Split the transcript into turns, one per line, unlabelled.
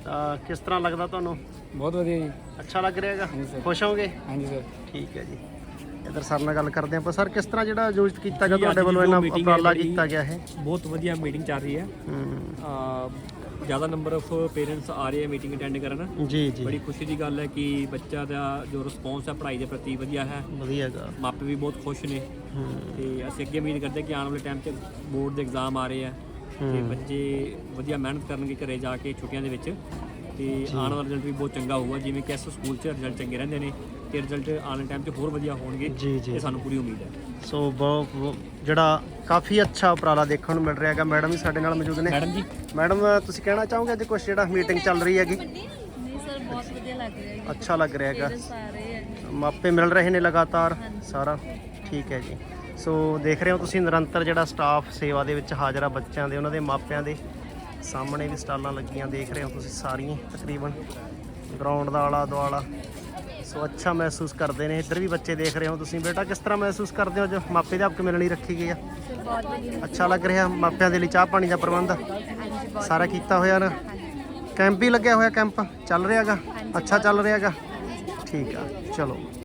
ਤਾਂ ਕਿਸ ਤਰ੍ਹਾਂ ਲੱਗਦਾ ਤੁਹਾਨੂੰ?
ਬਹੁਤ ਵਧੀਆ ਜੀ।
ਅੱਛਾ ਲੱਗ ਰਿਹਾ ਹੈਗਾ?
ਹਾਂਜੀ ਸਰ।
ਖੁਸ਼ ਹੋਗੇ?
ਹਾਂਜੀ ਸਰ।
ਠੀਕ ਹੈ ਜੀ। ਇੱਧਰ ਸਰ ਨਾਲ ਗੱਲ ਕਰਦੇ ਆਪਾਂ। ਸਰ ਕਿਸ ਤਰ੍ਹਾਂ ਜਿਹੜਾ ਆਯੋਜਿਤ ਕੀਤਾ ਗਿਆ ਤੁਹਾਡੇ ਵੱਲੋਂ, ਇਹਨਾਂ ਉਪਰਾਲਾ ਕੀਤਾ ਗਿਆ ਹੈ?
ਬਹੁਤ ਵਧੀਆ ਮੀਟਿੰਗ ਚੱਲ ਰਹੀ ਹੈ। ਜ਼ਿਆਦਾ ਨੰਬਰ ਆਫ ਪੇਰੈਂਟਸ ਆ ਰਹੇ ਆ ਮੀਟਿੰਗ ਅਟੈਂਡ ਕਰਨ।
ਜੀ ਜੀ।
ਬੜੀ ਖੁਸ਼ੀ ਦੀ ਗੱਲ ਹੈ ਕਿ ਬੱਚਾ ਦਾ ਜੋ ਰਿਸਪੌਂਸ ਹੈ ਪੜ੍ਹਾਈ ਦੇ ਪ੍ਰਤੀ ਵਧੀਆ ਹੈ।
ਵਧੀਆ ਹੈਗਾ।
ਮਾਪੇ ਵੀ ਬਹੁਤ ਖੁਸ਼ ਨੇ ਤੇ ਅਸੀਂ ਅੱਗੇ ਉਮੀਦ ਕਰਦੇ ਕਿ ਆਉਣ ਵਾਲੇ ਟਾਈਮ 'ਚ ਬੋਰਡ ਦੇ ਐਗਜ਼ਾਮ ਆ ਰਹੇ ਆ ਤੇ ਬੱਚੇ ਵਧੀਆ ਮਿਹਨਤ ਕਰਨਗੇ ਘਰੇ ਜਾ ਕੇ ਛੁੱਟੀਆਂ ਦੇ ਵਿੱਚ ਤੇ ਆਉਣ ਵਾਲਾ ਰਿਜ਼ਲਟ ਵੀ ਬਹੁਤ ਚੰਗਾ ਹੋਊਗਾ। ਜਿਵੇਂ ਕਿ ਇਸ ਸਕੂਲ 'ਚ ਰਿਜ਼ਲਟ ਚੰਗੇ ਰਹਿੰਦੇ ਨੇ ਤੇ ਰਿਜ਼ਲਟ ਆਉਣ ਵਾਲੇ ਟਾਈਮ 'ਚ ਹੋਰ ਵਧੀਆ ਹੋਣਗੇ।
ਜੀ ਜੀ।
ਇਹ ਸਾਨੂੰ ਪੂਰੀ ਉਮੀਦ ਹੈ।
ਸੋ ਬਹੁਤ ਜਿਹੜਾ ਕਾਫੀ ਅੱਛਾ ਉਪਰਾਲਾ ਦੇਖਣ ਨੂੰ ਮਿਲ ਰਿਹਾ ਹੈਗਾ। ਮੈਡਮ ਵੀ ਸਾਡੇ ਨਾਲ ਮੌਜੂਦ ਨੇ।
ਮੈਡਮ ਜੀ,
ਮੈਡਮ ਤੁਸੀਂ ਕਹਿਣਾ ਚਾਹੋਗੇ ਅੱਜ ਕੁਛ ਜਿਹੜਾ ਮੀਟਿੰਗ ਚੱਲ ਰਹੀ ਹੈਗੀ?
ਨਹੀਂ ਸਰ, ਬਹੁਤ ਵਧੀਆ ਲੱਗ ਰਿਹਾ ਹੈ।
ਅੱਛਾ ਲੱਗ ਰਿਹਾ ਹੈਗਾ।
ਸਾਰੇ
ਮਾਪੇ ਮਿਲ ਰਹੇ ਨੇ ਲਗਾਤਾਰ ਸਾਰਾ? ਠੀਕ ਹੈ ਜੀ। ਸੋ ਦੇਖ ਰਹੇ ਹੋ ਤੁਸੀਂ ਨਿਰੰਤਰ ਜਿਹੜਾ ਸਟਾਫ ਸੇਵਾ ਦੇ ਵਿੱਚ ਹਾਜ਼ਰ ਆ, ਬੱਚਿਆਂ ਦੇ ਉਹਨਾਂ ਦੇ ਮਾਪਿਆਂ ਦੇ ਸਾਹਮਣੇ ਵੀ ਸਟਾਲਾਂ ਲੱਗੀਆਂ ਦੇਖ ਰਹੇ ਹੋ ਤੁਸੀਂ ਸਾਰੀਆਂ ਤਕਰੀਬਨ ਗਰਾਊਂਡ ਦਾ ਆਲਾ ਦੁਆਲਾ। ਸੋ ਅੱਛਾ ਮਹਿਸੂਸ ਕਰਦੇ ਨੇ। ਇੱਧਰ ਵੀ ਬੱਚੇ ਦੇਖ ਰਹੇ ਹੋ ਤੁਸੀਂ। ਬੇਟਾ ਕਿਸ ਤਰ੍ਹਾਂ ਮਹਿਸੂਸ ਕਰਦੇ ਹੋ ਜੋ ਮਾਪੇ ਅਧਿਆਪਕ ਮਿਲਣ ਲਈ ਰੱਖੀ ਗਈ ਆ?
ਬਹੁਤ ਵਧੀਆ।
ਅੱਛਾ ਲੱਗ ਰਿਹਾ? ਮਾਪਿਆਂ ਦੇ ਲਈ ਚਾਹ ਪਾਣੀ ਦਾ ਪ੍ਰਬੰਧ ਸਾਰਾ ਕੀਤਾ ਹੋਇਆ ਨਾ? ਕੈਂਪ ਵੀ ਲੱਗਿਆ ਹੋਇਆ? ਕੈਂਪ ਚੱਲ ਰਿਹਾ ਹੈਗਾ? ਅੱਛਾ ਚੱਲ ਰਿਹਾ ਹੈਗਾ? ਠੀਕ ਆ, ਚਲੋ।